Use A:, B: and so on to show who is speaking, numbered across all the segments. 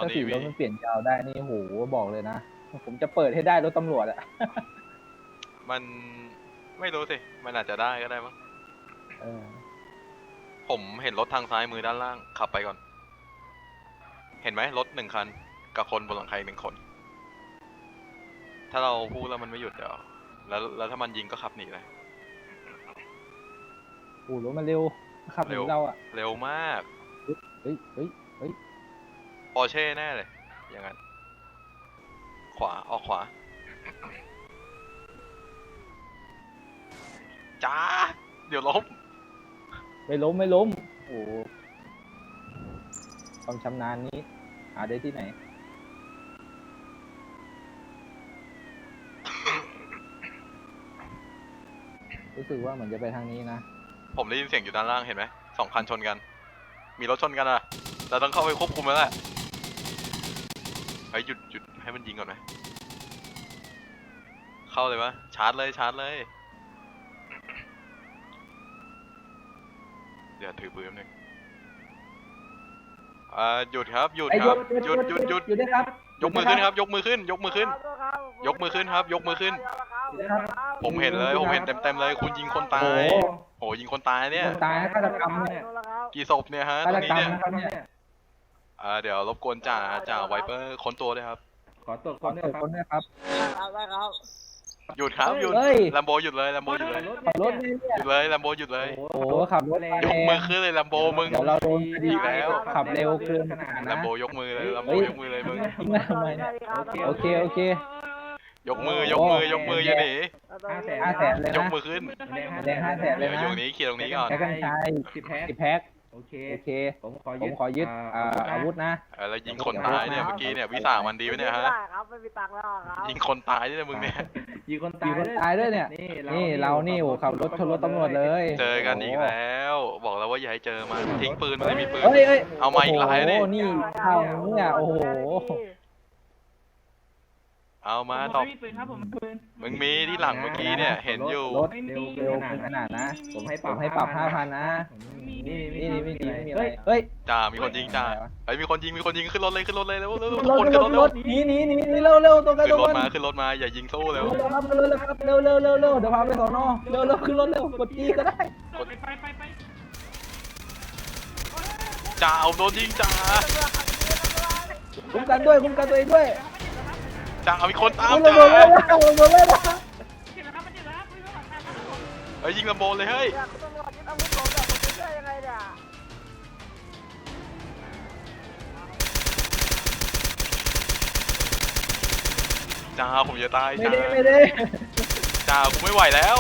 A: ถ้า
B: ดี
A: สีรถมันเปลี่ยนยาวได้นี่โหบอกเลยนะผมจะเปิดให้ได้รถตำรวจอะ
B: มันไม่รู้สิมันอาจจะได้ก็ได้มั้ง
A: เออ
B: ผมเห็นรถทางซ้ายมือด้านล่างขับไปก่อน เห็นไหมรถ1 คันกับคนบนหลังคาอีก1 คน ถ้าเราพูดแล้วมันไม่หยุดเดี๋ยวแล้วถ้ามันยิงก็ขับหนีเลย
A: โอ้รถมันเร็วขับหนีเราอะ
B: เร็วมาก
A: เฮ้ยเฮ้ยเฮ้ย
B: ปอร์เช่แน่เลยอย่างนั้นขวาออกขวาจ้าเดี๋ยวล้ม
A: ไม่ล้มไม่ล้มโอ้ความชำนาญนี้หาได้ที่ไหน รู้สึกว่าเหมือนจะไปทางนี้นะ
B: ผมได้ยินเสียงอยู่ด้านล่างเห็นไหม2 คันชนกัน มีรถชนกันอ่ะเราต้องเข้าไปควบคุมแล้วแหละเฮ้ยหยุดให้มันยิงก่อนไหมเข้าเลยปะชาร์จเลยเดี๋ยวถือปืนแป๊บนึงหยุดครับหยุดครับหยุด
A: ได้ครับ
B: ยกมือขึ้นครับ ยกมือขึ้นครับ ยกมือขึ้น ผมเห็นเต็มเลยคุณยิงคนตายโหยิงคนตายเนี่ย
A: คนตายฆาตกรรมเนี่ย
B: กี่ศพเนี่ยฮะ
A: ฆา
B: ตร
A: ต
B: งนี้
A: กรรม
B: เนี่ย
A: นะครับเนี่ย
B: เดี๋ยวรบกวนจ่าไวเปอร์ค้นตัวด้วยครับ
A: ขอตรวจคนด้วยครับ
C: ได้ครับ
B: หยุดครับหยุด
A: เฮ้ย
B: แลมโบหยุดเลยแลมโบหยุดเลย
A: ขับรถเนี่ย
B: หยุดเลยแลมโบหยุดเลย
A: โอ้โหขับรถแรง
B: ยกมือขึ้นเลยแลมโบมึง
A: เดี๋ยวเราโดนคดี
B: อีกแล้ว
A: ขับเร็วเกินขนาด
B: แล
A: นะ
B: มโบยกมือเลยแลมโบยกมือเลยมึง
A: ทิ้งมาทำไมเนี่ยโอเค
B: ยกมืออย่าหนี
A: 500,000เลย
B: ยก
A: นะ
B: มือขึ้น
A: แดง500,000เลย
B: เดี๋ยว
A: นะ
B: อยู่นี้เคลียร์ตรงนี้ก่อน
A: แพ็คกัญชาย10 แพ็คโอเคผมขอยึดอาวุธนะ
B: แล้วยิงคนตายเนี่ยเมื่อกี้เนี่ยวิสามันดีไหมเนี่ยฮะ
C: ได้ครับไม่มีตังค์แล้วครับ
B: ยิงคนตายเนี่ยมึงเนี่ย
A: ยิงคนตายด้วยเนี่ยนี่เรานี่โอ้ขับรถชนรถตำรวจเลย
B: เจอกันอีกแล้ว บอกแล้วว่าอย่าให้เจอมันทิ้งปืนมันไม่มีปืน
A: เฮ้ย
B: เอามาอีกหลายนี่
A: โอ้โหนี่เข้าเนี่ยโอ้โห
B: เอามาตอบมึงมีที่หลังเมื่อกี้เนี่ยเห็นอยู่
A: รถเร็วขนาดนะผมให้ปรับ 5,000 นะนี่ไม่ดีไม่มีอะไรเฮ้ย
B: จ่ามีคนยิงจ่าเฮ้ยมีคนยิงขึ้นรถเลยเร็วทุก
A: ร
B: คน
A: ถ
B: ขึ้นรถเร็ว
A: หนีเร็วตัวกัน
B: ขึ้น
A: ตัว
B: รถ
A: กัน
B: มาขึ้นรถมาอย่ายิงสู้เร็ว
A: ขึ้นรถครับเร็วเดี๋ยวพาไปสอนอเร็วขึ้นรถเร็วกดจีก็ได้
B: จ่าเอาโดนยิงจ่า
A: คุ้มกันตัวเองด้วย
B: จ่ามีคนตาม
A: ล
B: จ่าง
A: เลยนะ
B: เฮ้ยยิงลำโบเลยเฮ้ย
C: ตำรวจยึดอาวุธผมเนี่ยผมจะช่วยยังไงเนี่ย
B: จ่าผมจะตาย
A: ไม่
B: จ่า
A: ได้
B: จ่ากูไม่ไหวแล้ว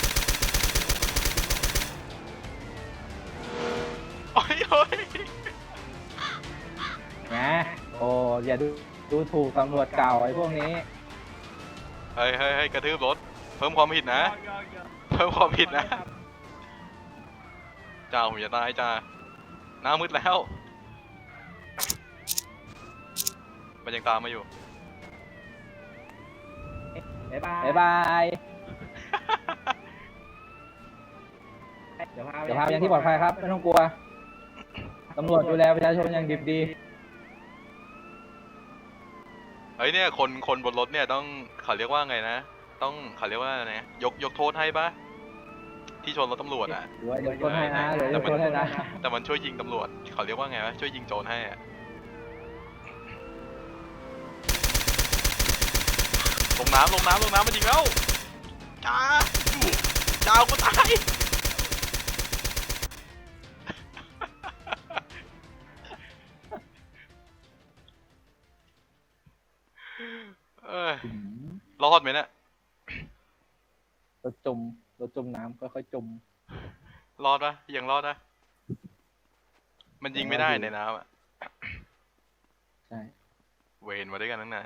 B: โอ้ย
A: แหมโอ้อย่าดูถูกตำรวจเก่าไอ้พวกนี้
B: เฮ้ยกระทืบรถเพิ่มความผิดนะเพิ่มความผิดนะจ่าผมจะตายจ่าหน้ามืดแล้วมันยังตามมาอยู่
A: บ๊ายบายเดี๋ยวพาไปยังที่ปลอดภัยครับไม่ต้องกลัวตำรวจดูแลประชาชนอย่างดิบดี
B: เฮ้ยเนี่ยคนบนรถเนี่ยต้องเขาเรียกว่าไงนะต้องเขาเรียกว่าไงยกโทษให้ปะที่ชนรถตำรวจอ่ะ
A: เดี๋ยวยกโทษให้นะเดี๋ยวยกโทษให้นะ
B: แต่มันช่วยยิงตำรวจเขาเรียกว่าไงวะช่วยยิงโจรให้อะลงน้ำมันยิงแล้วจ้ากูตายรอดไหมเนี่ย
A: รถจมน้ำค่อยๆจม
B: รอดปะยังรอดนะมันยิงไม่ได้ในน้ำอ่ะ
A: ใช่
B: เวรมาด้วยกันตั้งนาน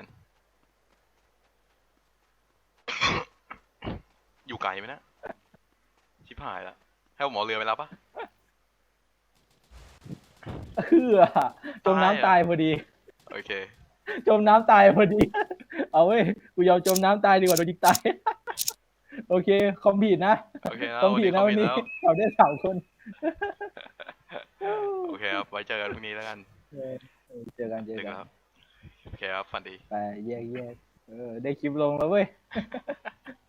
B: อยู่ไกลไหมนะชิบหายแล้วให้ผมเอาเรือไปรับปะ
A: จมน้ำตายพอดี
B: โอเค
A: จมน้ำตายพอดี เอาเว้ยกูยอมจมน้ำตายดีกว่าโดนยิงตาย โอเคคอมผิดนะ
B: โอเคนะ
A: คอมผิดนะวันนี้เราได้3 คน
B: โอเคครับไว้เจอกันพรุ่งนี้แล้วกัน
A: เจอกัน
B: เจอกันครับโอเคครับฝันดี
A: ไปแยกได้คลิปลงแล้วเว้ย